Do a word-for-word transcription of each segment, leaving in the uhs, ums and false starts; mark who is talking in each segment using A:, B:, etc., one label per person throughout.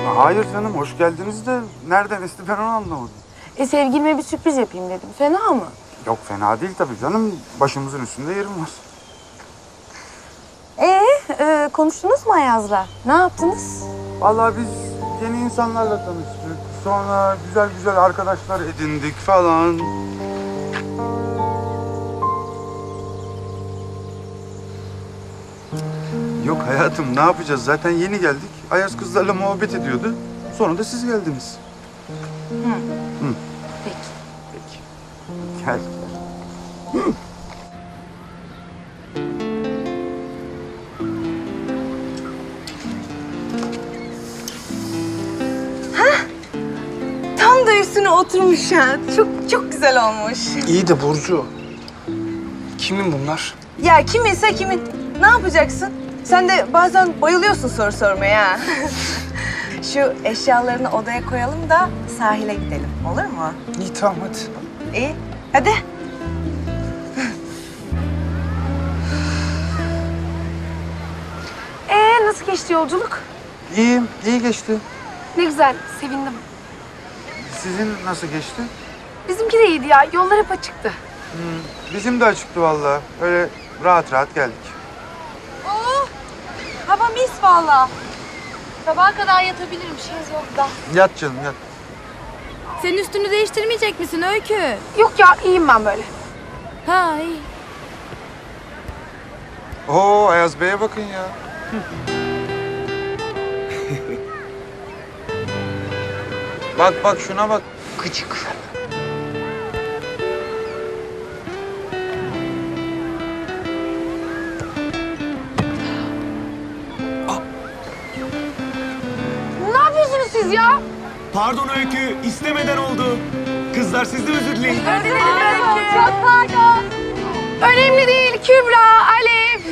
A: Hayır canım, hoş geldiniz de nereden esti ben onu anlamadım.
B: E sevgilime bir sürpriz yapayım dedim. Fena mı?
A: Yok fena değil tabii canım. Başımızın üstünde yerim var.
B: Ee, e, konuştunuz mu Ayaz'la? Ne yaptınız?
A: Vallahi biz yeni insanlarla tanıştık. Sonra güzel güzel arkadaşlar edindik falan. Yok hayatım, ne yapacağız? Zaten yeni geldik. Ayaz kızlarla muhabbet ediyordu. Sonra da siz geldiniz.
B: Hı.
A: Hı.
B: Peki.
A: Peki. Gel.
C: Tam da üstüne oturmuş ha. Çok çok güzel olmuş.
D: İyi de Burcu. Kimin bunlar?
C: Ya kiminse kimin. Ne yapacaksın? Sen de bazen bayılıyorsun soru sormaya ha. Şu eşyalarını odaya koyalım da sahile gidelim. Olur mu?
D: İyi tamam hadi.
C: İyi. Hadi.
B: Ee, nasıl geçti yolculuk?
A: İyiyim, iyi geçti.
B: Ne güzel, sevindim.
A: Sizin nasıl geçti?
B: Bizimki de iyiydi ya, yollar hep açıktı.
A: Bizim de açıktı vallahi. Öyle rahat rahat geldik.
C: Oo, hava mis vallahi.
E: Sabaha kadar yatabilirim şezlongda.
A: Yat canım, yat.
E: Senin üstünü değiştirmeyecek misin Öykü?
B: Yok ya, iyiyim ben böyle.
E: Ha iyi.
A: Oo, Ayaz Bey'e bakın ya. Bak bak şuna bak.
D: Gıcık.
B: Ne yapıyorsunuz siz ya?
F: Pardon Öykü, istemeden oldu. Kızlar siz de özür dileyin.
B: Çok pardon. Önemli değil Kübra, Alef.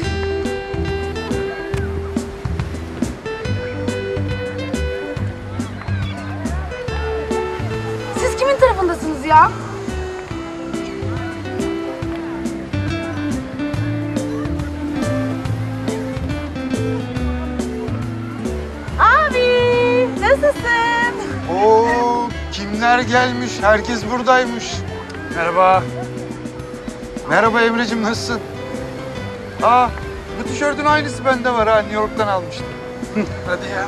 B: Siz kimin tarafındasınız ya?
C: Abi, nasılsın?
A: Oo, kimler gelmiş? Herkes buradaymış.
D: Merhaba.
A: Merhaba Emre'cim, nasılsın? Aa, bu tişörtün aynısı bende var ha. New York'tan almıştım.
D: Hadi ya.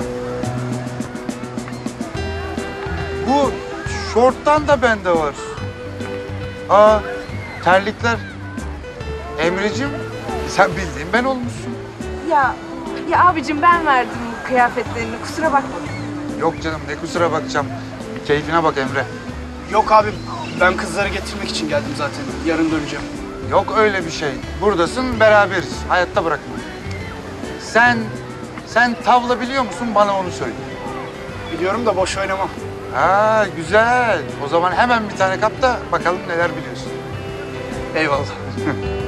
A: Bu şorttan da bende var. Aa, terlikler. Emre'cim, sen bildiğin ben olmuşsun.
C: Ya, ya abicim ben verdim bu kıyafetlerini. Kusura bakma.
A: Yok canım, ne kusura bakacağım. Keyfine bak Emre.
D: Yok abim. Ben kızları getirmek için geldim zaten. Yarın döneceğim.
A: Yok öyle bir şey. Buradasın, beraberiz. Hayatta bırakma. Sen, sen tavla biliyor musun? Bana onu söyle.
D: Biliyorum da boş oynamam.
A: Ha, güzel. O zaman hemen bir tane kap da bakalım neler biliyorsun.
D: Eyvallah.